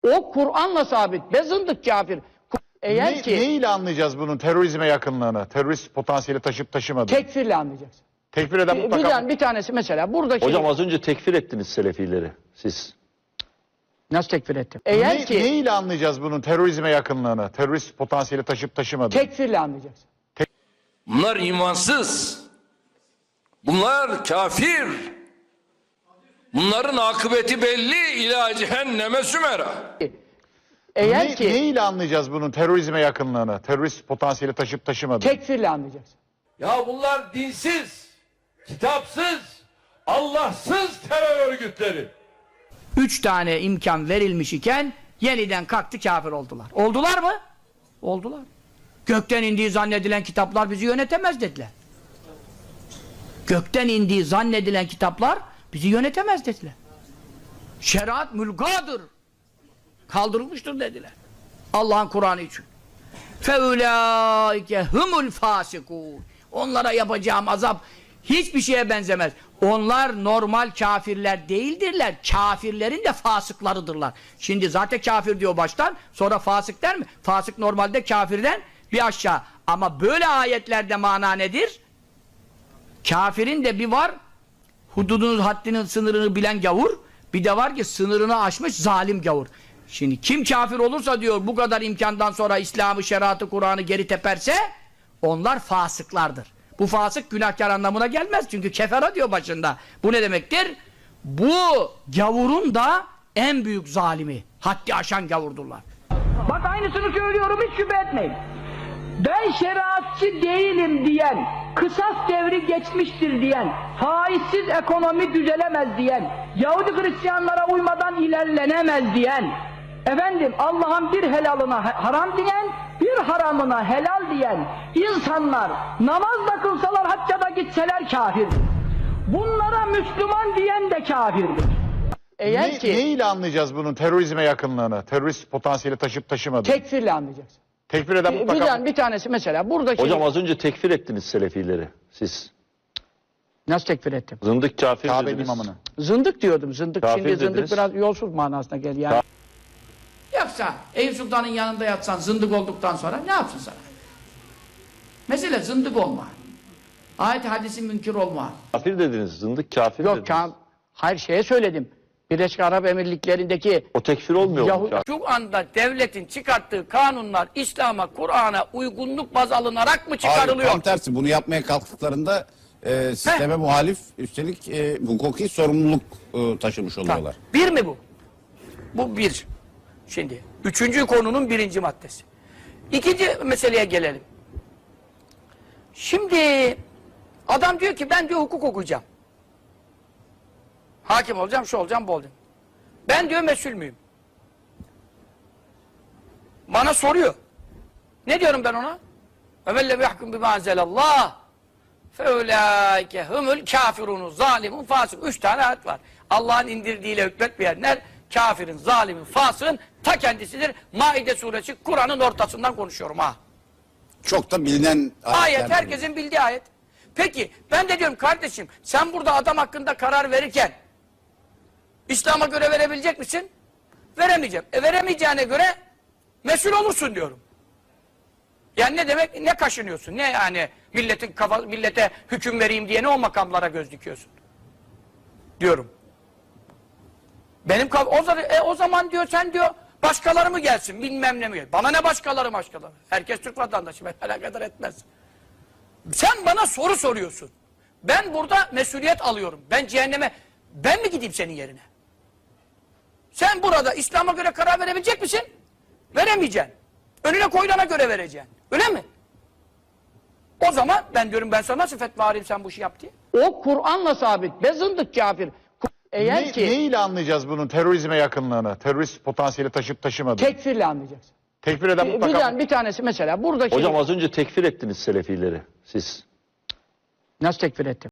O Kur'an'la sabit. Be zındık kafir. Eğer ki neyle anlayacağız bunun terörizme yakınlığını, terörist potansiyeli taşıp taşımadığını? tekfirle anlayacaksın. Tekfir eden mutlaka... Bir tanesi mesela buradaki... Hocam az önce tekfir ettiniz Selefileri siz. Nasıl tekfir ettim? Eğer ki neyle anlayacağız bunun terörizme yakınlığını, terörist potansiyeli taşıp taşımadığını? tekfirle anlayacaksın. Bunlar imansız. Bunlar kafir. Bunların akıbeti belli, ila cehenneme sümera. Eğer ki neyle anlayacağız bunun terörizme yakınlığını, terörist potansiyeli taşıp taşımadığını? tekfirle anlayacaksın. Ya bunlar dinsiz, kitapsız, Allahsız terör örgütleri. 3 tane imkan verilmiş iken yeniden kalktı kafir oldular. Oldular mı? Oldular. Gökten indiği zannedilen kitaplar bizi yönetemez dediler. Gökten indiği zannedilen kitaplar bizi yönetemez dediler. Şeriat mülgadır. Kaldırılmıştır dediler. Allah'ın Kur'an'ı için. فَاُولَٰئِكَ هُمُ الْفَاسِقُونَ Onlara yapacağım azap hiçbir şeye benzemez. Onlar normal kafirler değildirler. Kafirlerin de fasıklarıdırlar. Şimdi zaten kafir diyor baştan, sonra fasık der mi? Fasık normalde kafirden bir aşağı. Ama böyle ayetlerde mana nedir? Kafirin de bir var, hududunun, haddinin, sınırını bilen gavur, bir de var ki sınırını aşmış zalim gavur. Şimdi kim kafir olursa diyor bu kadar imkandan sonra İslam'ı, şeriatı, Kur'an'ı geri teperse onlar fasıklardır. Bu fasık günahkar anlamına gelmez çünkü kefera diyor başında. Bu ne demektir? Bu gavurun da en büyük zalimi, haddi aşan gavurdurlar. Bak aynısını söylüyorum, hiç şüphe etmeyin. Ben şeriatçı değilim diyen, kısas devri geçmiştir diyen, faizsiz ekonomi düzelemez diyen, Yahudi Hristiyanlara uymadan ilerlenemez diyen, efendim Allah'ın bir helalına haram diyen, bir haramına helal diyen insanlar namaz da kılsalar, hacca da gitseler kafirdir. Bunlara Müslüman diyen de kafirdir. Eğer ki neyle anlayacağız bunun terörizme yakınlığını, terörist potansiyeli taşıp taşımadığını? tekfirle anlayacaksın. Tekfir eden mutlaka... Bir tanesi mesela buradaki... Hocam az önce tekfir ettiniz Selefileri siz. Nasıl tekfir ettim? Zındık kafir Kabe'nin dediniz. imamını. Zındık diyordum. Zındık Kafir şimdi zındık dediniz. biraz yolsuz manasına gel yani. Yoksa Eyüp Sultan'ın yanında yatsan zındık olduktan sonra ne yapsın sana? Mesele zındık olma. Ayet hadisi münkir olma. Kafir dediniz, zındık kafir Yok dediniz. hayır şeye söyledim. Birleşik Arap Emirlikleri'ndeki O tekfir olmuyor mu? Şu anda devletin çıkarttığı kanunlar İslam'a, Kur'an'a uygunluk baz alınarak mı çıkarılıyor? Hayır, tam tersi. Bunu yapmaya kalktıklarında sisteme muhalif, üstelik hukuki sorumluluk taşımış oluyorlar. Bir mi bu? Bu bir. Şimdi, üçüncü konunun birinci maddesi. İkinci meseleye gelelim. Şimdi, adam diyor ki ben diyor hukuk okuyacağım. Hakim olacağım, şu olacağım, bu olacağım. Ben diyor mesul müyüm? Bana soruyor. Ne diyorum ben ona? وَمَنْ يَحْكُمْ بِمَا أَنْزَلَ اللّٰهِ فَاُولَٰئِكَ هُمُ الْكَافِرُونَ zalimun fasık. 3 tane ayet var. Allah'ın indirdiğiyle hükmetmeyenler kafirin, zalimin, fasığın ta kendisidir. Maide suresi Kur'an'ın ortasından konuşuyorum ha. Çok da bilinen Ayet, herkesin bildiği ayet. Peki ben de diyorum kardeşim sen burada adam hakkında karar verirken İslam'a göre verebilecek misin? Veremeyeceğim. Veremeyeceğine göre mesul olursun diyorum. Yani ne demek? Ne kaşınıyorsun? Ne yani millete hüküm vereyim diye ne o makamlara göz dikiyorsun? Diyorum. Benim o zaman diyor sen diyor başkaları mı gelsin bilmem ne mi gelsin. Bana ne başkaları. Herkes Türk vatandaşı, ben alakadar etmez. Sen bana soru soruyorsun. Ben burada mesuliyet alıyorum. Ben cehenneme, ben mi gideyim senin yerine? Sen burada İslam'a göre karar verebilecek misin? Veremeyeceksin. Önüne koyulana göre vereceksin. Öyle mi? O zaman ben diyorum ben sana nasıl fetva arayayım sen bu işi yap diye. O Kur'an'la sabit. Be zındık kafir. Eğer ki neyle anlayacağız bunun terörizme yakınlığını, terörist potansiyeli taşıp taşımadığını? tekfirle anlayacaksın. Tekfir eden mutlaka... Bir tanesi mesela buradaki... Hocam az önce tekfir ettiniz Selefileri siz. Nasıl tekfir ettim?